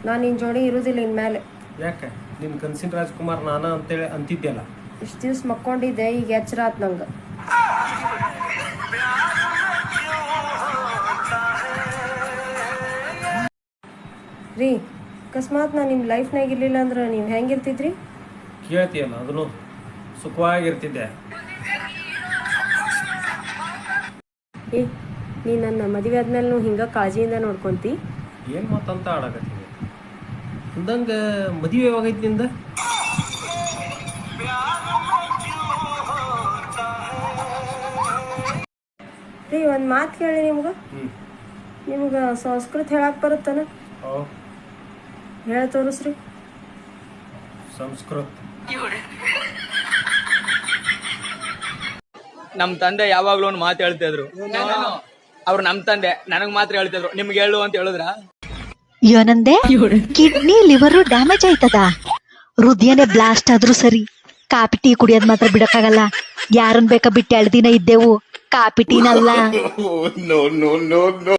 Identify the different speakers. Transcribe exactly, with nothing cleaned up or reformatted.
Speaker 1: ನಾನು ನಿನ್ನ ಜೋಡಿ ಇರುವುದಿಲ್ಲ ಇನ್ಮೇಲೆ.
Speaker 2: ಯಾಕೆ ನಿನ್ನ ಕನ್ಸಿನ ರಾಜ್ಕುಮಾರ್ ನಾನ ಅಂತೇಳಿ ಅಂತಿದ್ಯಲ್ಲ.
Speaker 1: ಇಷ್ಟು ದಿವ್ಸ ಮಕ್ಕೊಂಡಿದ್ದೆ, ಈಗ ಎಚ್ಚರ ಆತ್ ನಂಗೆ. ರೀ, ಅಕಸ್ಮಾತ್ ನಾನು ನಿಮ್ಮ ಲೈಫ್ನಾಗ ಇರಲಿಲ್ಲ ಅಂದ್ರೆ ನೀವು ಹೆಂಗಿರ್ತಿದ್ರಿ?
Speaker 2: ಕೇಳ್ತೀಯಲ್ಲ, ಅದನ್ನು ಸುಖವಾಗಿರ್ತಿದ್ದೆ.
Speaker 1: ಏ, ನೀ ನನ್ನ ಮದುವೆ ಆದ್ಮೇಲೆ ಹಿಂಗೆ ಕಾಳಜಿಯಿಂದ ನೋಡ್ಕೊಂತಿ?
Speaker 2: ಏನು ಮಾತಂತ ಆಡಕತ್ತೀವಿ ಅಂದಂಗೆ ಮದುವೆ ಯಾವಾಗೈತಿ ನಿಂದ?
Speaker 1: ರೀ, ಒಂದು ಮಾತು ಕೇಳಿ ನಿಮ್ಗೆ.
Speaker 2: ಹ್ಞೂ
Speaker 1: ನಿಮ್ಗೆ ಸಂಸ್ಕೃತ ಹೇಳಕ್ಕೆ ಬರುತ್ತಾನ?
Speaker 2: ಓ
Speaker 1: ಹೇಳ ತೋರಿಸ್ರಿ.
Speaker 2: ಸಂಸ್ಕೃತ
Speaker 3: ನಮ್ ತಂದೆ ಯಾವಾಗ್ಲೂ ಒಂದು ಮಾತು ಹೇಳ್ತಿದ್ರು. ಅವ್ರು ನಮ್ ತಂದೆ ನನಗ್ ಮಾತ್ರ ಹೇಳ್ತಿದ್ರು, ನಿಮ್ಗೆ ಹೇಳು ಅಂತ ಹೇಳಿದ್ರ?
Speaker 4: ಏನಂದೆ? ಕಿಡ್ನಿ ಲಿವರ್ ಡ್ಯಾಮೇಜ್ ಆಯ್ತದ, ಹೃದಯನೇ ಬ್ಲಾಸ್ಟ್ ಆದ್ರೂ ಸರಿ, ಕಾಪಿ ಟೀ ಕುಡಿಯೋದ್ ಮಾತ್ರ ಬಿಡಕ್ಕಾಗಲ್ಲ. ಯಾರನ್ ಬೇಕಾ ಬಿಟ್ಟು ಎರಡು ದಿನ ಇದ್ದೆವು, ಕಾಪಿ ಟೀನಲ್ಲ.